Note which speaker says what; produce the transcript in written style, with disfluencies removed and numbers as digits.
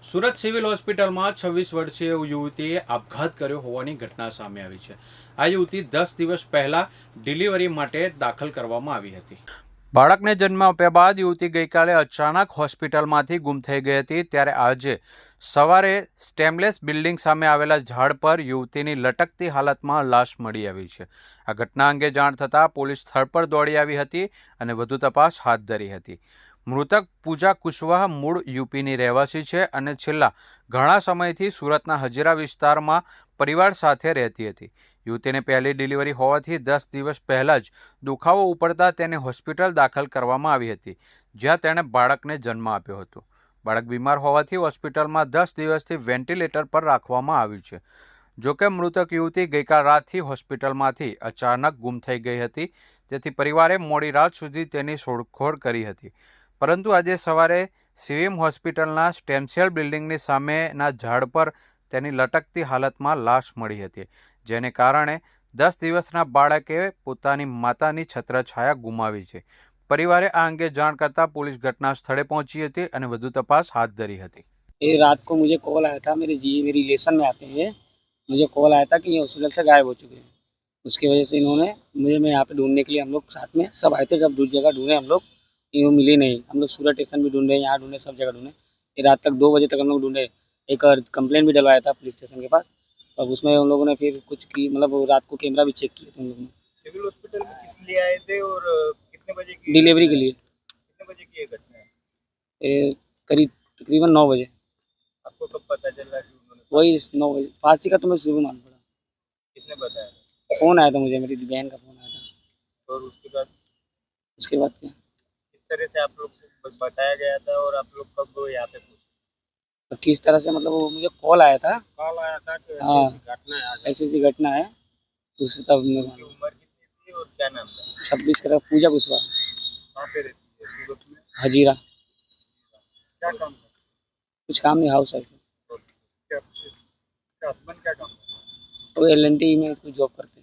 Speaker 1: Surat civil હોસ્પિટલમાં 26 વર્ષીય યુવતીએ આપઘાત કર્યો હોવાની ઘટના સામે આવી છે. આ યુવતી 10 દિવસ પહેલા ડિલિવરી માટે દાખલ કરવામાં આવી હતી. બાળકને જન્મ આપ્યા બાદ યુવતી ગઈકાલે અચાનક હોસ્પિટલમાંથી ગુમ થઈ ગઈ હતી. ત્યારે આજે સવારે સ્ટેમલેસ બિલ્ડિંગ સામે આવેલા ઝાડ પર યુવતીની લટકતી હાલતમાં લાશ મળી આવી છે. આ ઘટના અંગે જાણ થતાં પોલીસ સ્થળ પર દોડી આવી હતી અને વધુ તપાસ હાથ ધરી હતી. મૃતક પૂજા કુશવાહ મૂળ યુપીની રહેવાસી છે અને છેલ્લા ઘણા સમયથી સુરતના હજીરા વિસ્તારમાં પરિવાર સાથે રહેતી હતી. યુવતીને પહેલી ડિલિવરી હોવાથી 10 દિવસ પહેલાં જ દુખાવો ઉપડતા તેને હોસ્પિટલ દાખલ કરવામાં આવી હતી, જ્યાં તેણે બાળકને જન્મ આપ્યો હતો. બાળક બીમાર હોવાથી હોસ્પિટલમાં 10 દિવસથી વેન્ટિલેટર પર રાખવામાં આવ્યું છે. જોકે મૃતક યુવતી ગઈકાલ રાતથી હોસ્પિટલમાંથી અચાનક ગુમ થઈ ગઈ હતી, તેથી પરિવારે મોડી રાત સુધી તેની શોધખોળ કરી હતી. પરંતુ આજે સવારે સિવિમ હોસ્પિટલના સ્ટેમસેલ બિલ્ડિંગની સામેના ઝાડ પર તેની લટકતી હાલતમાં લાશ મળી હતી, જેને કારણે 10 દિવસના બાળકે પોતાની માતાની છત્રછાયા ગુમાવી છે. પરિવારે આ અંગે જાણ કરતા પોલીસ ઘટના સ્થળે પહોંચી હતી અને વધુ તપાસ હાથ ધરી હતી.
Speaker 2: ये रात को मुझे कॉल आया था, मेरे रिलेशन में आते हैं, मुझे कॉल आया था कि ये हॉस्पिटल से गायब हो चुके हैं। उसकी वजह से इन्होंने मैं यहाँ पे ढूंढने के लिए, हम लोग साथ में सब आए थे, जब दूसरी जगह ढूंढे हम लोग, ये मिली नहीं। हम लोग सूरत स्टेशन भी ढूंढे, यहाँ ढूंढे, सब जगह ढूंढे। ये रात तक 2 बजे तक हम लोग ढूंढे। एक कंप्लेंट भी डलवाया था पुलिस स्टेशन के पास। अब उसमें उन लोगों ने फिर कुछ की, मतलब रात को कैमरा भी चेक किए थे उन लोगों ने।
Speaker 3: सिविल हॉस्पिटल में किस लिए आए थे और कितने बजे की
Speaker 2: डिलीवरी के लिए।
Speaker 3: कितने बजे की ये घटना है?
Speaker 2: ये करीब तकरीबन 9 बजे।
Speaker 3: आपको कब पता चल रहा कि उन्होंने
Speaker 2: वही 9 बजे। फांसी का तो मैं सुबह मान पड़ा।
Speaker 3: किसने बताया
Speaker 2: फ़ोन आया था मुझे, मेरी बहन का फ़ोन आया था।
Speaker 3: और उसके बाद
Speaker 2: उसके बाद क्या,
Speaker 3: किस तरह से आप लोग को बताया गया था और आप लोग कब यहाँ पे पहुंचे?
Speaker 2: तो किस तरह से, मतलब वो मुझे कॉल आया था,
Speaker 3: कॉल आया था कि
Speaker 2: हाँ,
Speaker 3: घटना है आज?
Speaker 2: ऐसी घटना है। दूसरी तब मैं
Speaker 3: उनकी उम्र कितनी थी और क्या नाम था?
Speaker 2: 26 का पूजा कुशवाहा,
Speaker 3: कहाँ पे रहती है सूरत में?
Speaker 2: हजीरा।
Speaker 3: क्या काम था?
Speaker 2: कुछ काम नहीं, हाउस वाइफ।
Speaker 3: और क्या हस्बैंड क्या काम था?
Speaker 2: वो LNT में कोई जॉब करते हैं।